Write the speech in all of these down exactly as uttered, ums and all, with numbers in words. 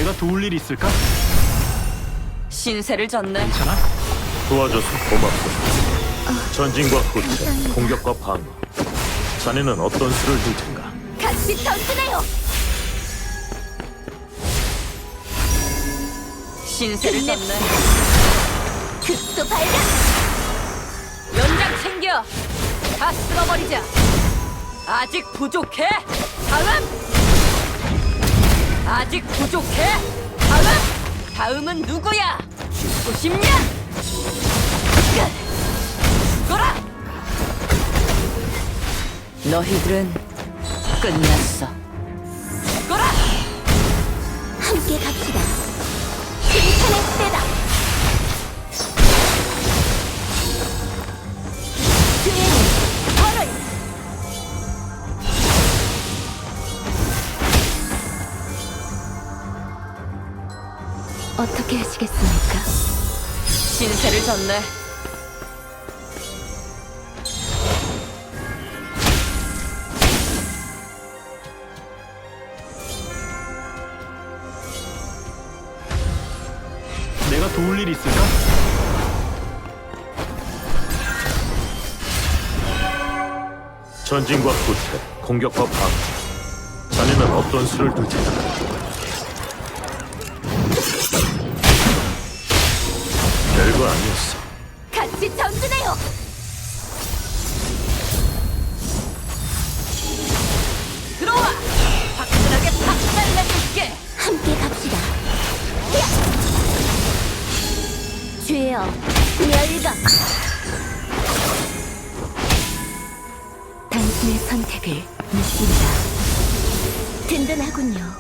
내가 도울 일 있을까? 신세를 졌네. 괜찮아? 도와줘서 고맙소. 전진과 후퇴, 공격과 방어. 자네는 어떤 수를 둘 텐가? 같이 던지네요. 신세를 졌네. 극도 발견! 연장 챙겨. 다 쓸어버리자. 아직 부족해. 다음. 아직 부족해. 다음. 다음은 누구야? 죽고 싶냐? 죽어라. 너희들은 끝났어. 죽어라. 함께 갑시다. 심판의 때다. 죄는 벌을. 어떻게 하시겠습니까? 신세를 졌네. 내가 도울 일 있을까? 전진과 후퇴, 공격과 방어. 자네는 어떤 수를 둘 텐가? 별거 아니었어. 같이 전진해요. 들어와. 화끈하게 박살내줄게. 함께 갑시다. 야! 죄여 멸각. 당신의 선택을 믿습니다. 든든하군요.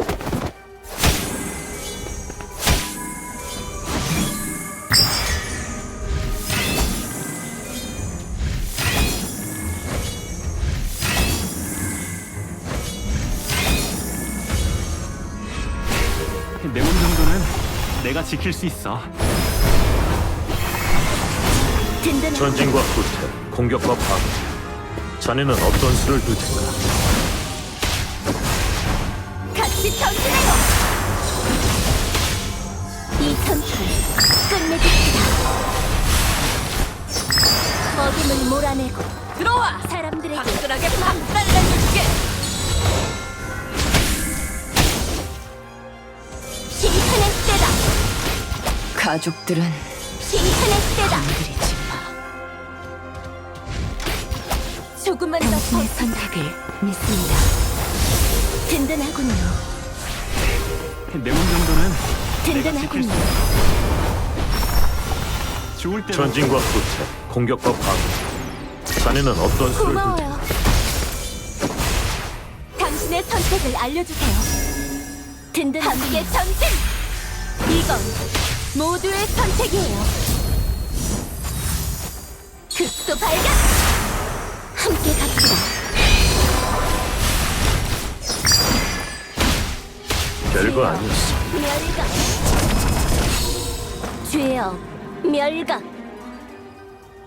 내 몸 정도는 내가 지킬 수 있어. 든든한 전진과 후퇴, 공격과 방어. 자네는 어떤 수를 둘 텐가? 같이 전진해요. 이 전투를 끝내줍시다. 어둠을 몰아내고 들어와. 사람들에게 화끈하게 박살내줄게. 심판의 때다. 가족들은 심판의 때다. 건드리지 마. 조금만 더 당신의 선택을 믿습니다. 든든하군요. 내 몸 정도는 내가 지킬 수 든든하군요. 있어. 좋을 때로 전진과 후퇴, 공격과 방어. 자네는 어떤 수를 둘 텐가? 고마워요. 당신의 선택을 알려주세요. 든든함께 전진! 이건 모두의 선택이에요. 극도 발견! 함께 갑시다. 별거 아니었어. 멸각! 죄여 멸각!